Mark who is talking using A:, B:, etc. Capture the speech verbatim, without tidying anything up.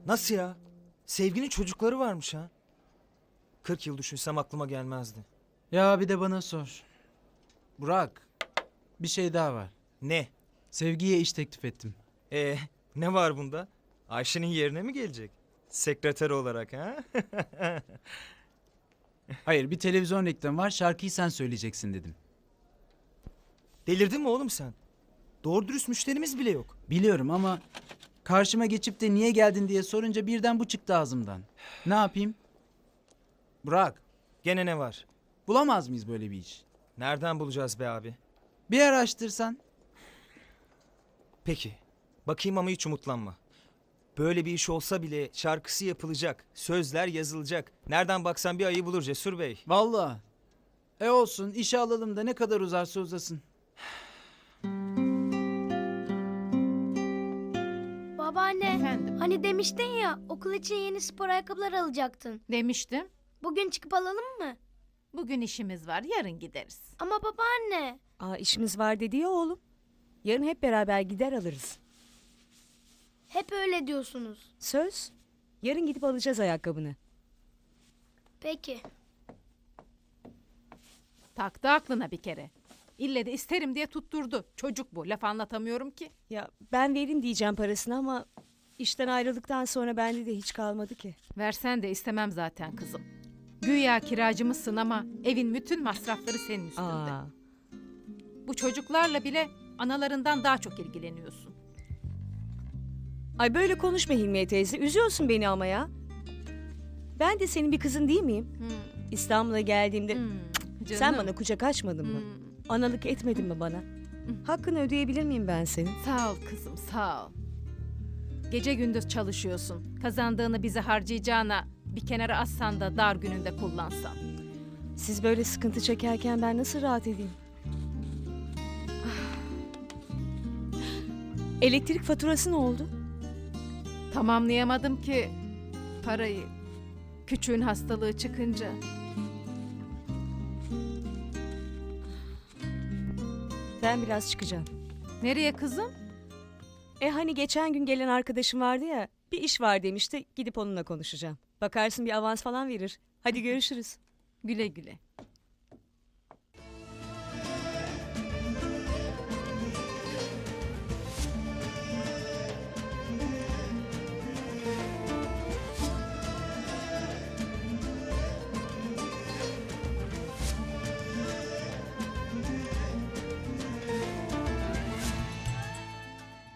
A: Nasıl ya? Sevginin çocukları varmış ha. Kırk yıl düşünsem aklıma gelmezdi.
B: Ya bir de bana sor. Burak, bir şey daha var.
A: Ne?
B: Sevgiye iş teklif ettim.
A: Ee, ne var bunda? Ayşe'nin yerine mi gelecek? Sekreter olarak ha?
B: Hayır, bir televizyon reklamı var, şarkıyı sen söyleyeceksin dedim.
A: Delirdin mi oğlum sen? Doğru dürüst müşterimiz bile yok.
B: Biliyorum ama karşıma geçip de niye geldin diye sorunca birden bu çıktı ağzımdan. Ne yapayım? Burak,
A: Gene ne var?
B: bulamaz mıyız böyle bir iş?
A: Nereden bulacağız be abi?
B: Bir araştırsan.
A: Peki. Bakayım ama hiç umutlanma. Böyle bir iş olsa bile şarkısı yapılacak. Sözler yazılacak. Nereden baksan bir ayı bulur Cesur Bey.
B: Vallahi. E olsun, işe alalım da ne kadar uzarsa uzasın.
C: Babaanne,
D: Efendim?
C: hani demiştin ya okul için yeni spor ayakkabılar alacaktın.
D: Demiştim.
C: Bugün çıkıp alalım mı?
D: Bugün işimiz var, yarın gideriz.
C: Ama babaanne.
E: Aa, işimiz var dedi ya oğlum. Yarın hep beraber gider alırız.
C: Hep öyle diyorsunuz.
E: Söz. Yarın gidip alacağız ayakkabını.
C: Peki.
D: Taktı aklına bir kere. İlle de isterim diye tutturdu. Çocuk bu, laf anlatamıyorum ki.
E: Ya ben veririm diyeceğim parasını ama işten ayrıldıktan sonra bende de hiç kalmadı ki.
D: Versen de istemem zaten kızım. Güya kiracımızsın ama evin bütün masrafları senin üstünde.
E: Aa,
D: Bu çocuklarla bile analarından daha çok ilgileniyorsun.
E: ay böyle konuşma Hilmiye teyze. Üzüyorsun beni ama ya. Ben de senin bir kızın değil miyim?
D: Hmm,
E: İstanbul'a geldiğimde
D: hmm,
E: sen
D: canım.
E: bana kucak açmadın mı?
D: Hmm,
E: Analık etmedin mi bana? Hakkını ödeyebilir miyim ben senin?
D: Sağ ol kızım, sağ ol. Gece gündüz çalışıyorsun. Kazandığını bize harcayacağına bir kenara atsan da dar gününde kullansan.
E: Siz böyle sıkıntı çekerken ben nasıl rahat edeyim? Elektrik faturası ne oldu?
D: Tamamlayamadım ki parayı. Küçüğün hastalığı çıkınca.
E: Ben biraz çıkacağım.
D: Nereye kızım?
E: E hani geçen gün gelen arkadaşım vardı ya, bir iş var demişti, gidip onunla konuşacağım. Bakarsın bir avans falan verir. Hadi görüşürüz.
D: Güle güle.